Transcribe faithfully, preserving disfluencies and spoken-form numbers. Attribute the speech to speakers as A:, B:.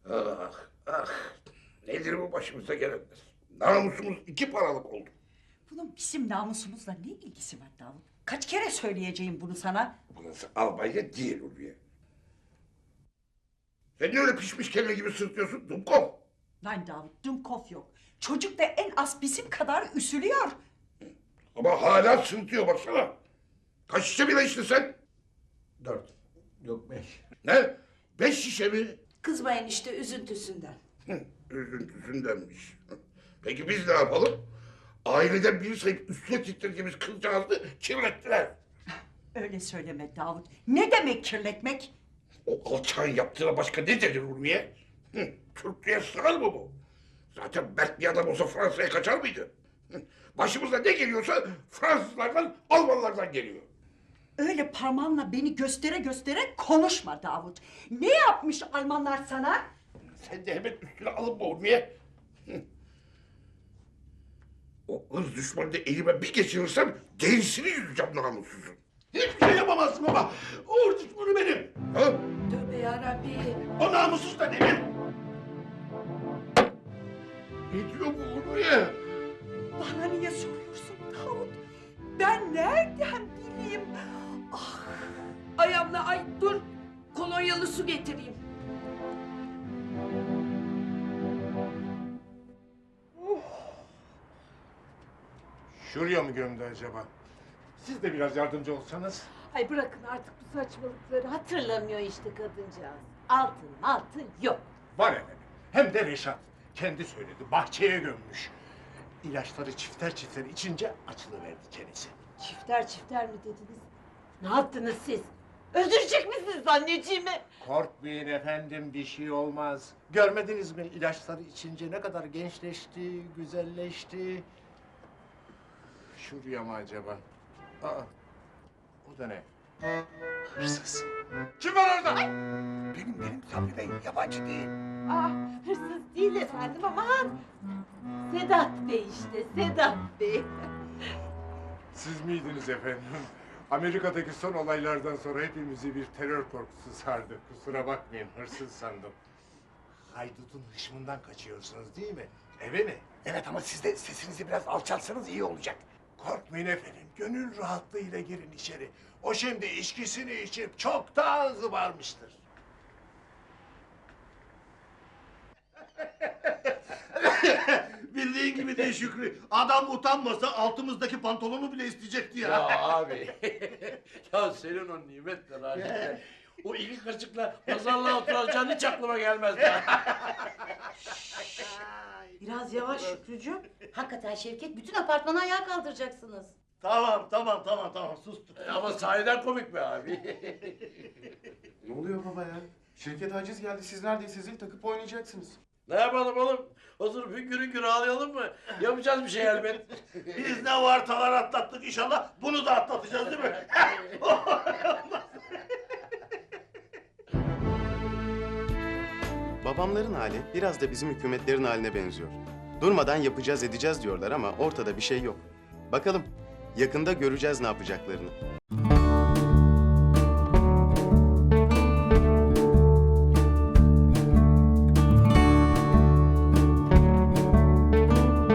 A: Ah, ah. Nedir bu başımıza gelenler? Namusumuz iki paralık oldu.
B: Bunun bizim namusumuzla ne ilgisi var Davut? Kaç kere söyleyeceğim bunu sana?
A: Burası Albanya değil Ulviye. Sen niye öyle pişmiş kelle gibi sırtıyorsun Dumkov?
B: Lan Davut, Dumkov yok. Çocuk da en az bizim kadar üsülüyor.
A: Ama hala sırıtıyor baksana. Kaç şişe bile içtin sen?
C: Dört. Yok beş.
A: Ne? Beş şişe mi?
D: Kızmayın işte üzüntüsünden.
A: Hı, üzüntüsündenmiş. Peki biz ne yapalım? Aileden biri sayıp üstüne titrediğimiz kızcağızı kirlettiler.
B: Öyle söyleme Davut. Ne demek kirletmek?
A: O alçağın yaptığına başka ne denir Ulviye? Hı, Türklüğe sığar mı bu? Zaten mert bir adam olsa Fransa'ya kaçar mıydı? Hı, Başımıza ne geliyorsa Fransızlardan, Almanlardan geliyor.
B: Öyle parmağınla beni göstere göstere konuşma Davut. Ne yapmış Almanlar sana?
A: Sen de hemen üstüne alınma Ulviye. Hı. O ırz düşmanını da elime bir geçirirsem derisini yüzeceğim namussuzun.
C: Hiçbir şey yapamazsın baba. Uğur düşmanı benim.
A: Ha?
D: Tövbe yarabbi.
C: O namussuz da benim.
A: Ne diyor bu Ulviye?
B: Bana niye soruyorsun Davut? Ben nereden bileyim? Ah,
D: Ayağımla ay dur. Kolonyalı su getireyim.
C: Şuraya mı gömdü acaba? Siz de biraz yardımcı olsanız.
E: Ay bırakın artık bu saçmalıkları. Hatırlamıyor işte kadıncağız. Altın altın yok.
C: Var efendim. Hem de Reşat. Kendi söyledi. Bahçeye gömmüş. İlaçları çifter çifter içince açılıverdi çenesi.
E: Çifter çifter mi dediniz? Ne yaptınız siz? Öldürecek misiniz anneciğimi?
C: Korkmayın efendim, bir şey olmaz. Görmediniz mi ilaçları içince ne kadar gençleşti, güzelleşti. Şuraya mı acaba? Aa, o da ne? Hırsız. Kim var orada?
A: Benim benim Sabri Bey yabancı değil.
E: Ah hırsız değil efendim aman. Sedat Bey işte Sedat Bey.
C: Siz miydiniz efendim? Amerika'daki son olaylardan sonra hepimizi bir terör korkusu sardı. Kusura bakmayın, hırsız sandım. Haydutun hışmından kaçıyorsunuz değil mi? Eve mi?
A: Evet ama siz de sesinizi biraz alçaltsanız iyi olacak.
C: Korkmayın efendim, gönül rahatlığıyla girin içeri. O şimdi içkisini içip çoktan zıbarmıştır.
F: Bildiğin gibi değil Şükrü. Adam utanmasa altımızdaki pantolonu bile isteyecekti ya.
G: Ya abi, ya senin o nimetle Raşit'le o iki kaşıkla pazarlığa oturacağın hiç aklıma gelmezdi.
D: Biraz yavaş Şükrücüğüm. Hakikaten Şevket bütün apartmanı ayağa kaldıracaksınız.
F: Tamam tamam tamam tamam sustum.
G: Ama sahiden komik be abi.
H: Ne oluyor baba ya? Şirket haciz geldi. Siz neredeyse zil takıp oynayacaksınız.
G: Ne yapalım oğlum? Oturup hüngür hüngür ağlayalım mı? Yapacağız bir şey elbet.
F: Biz ne vartalar atlattık inşallah bunu da atlatacağız değil mi?
H: Babamların hali biraz da bizim hükümetlerin haline benziyor. Durmadan yapacağız edeceğiz diyorlar ama ortada bir şey yok. Bakalım yakında göreceğiz ne yapacaklarını.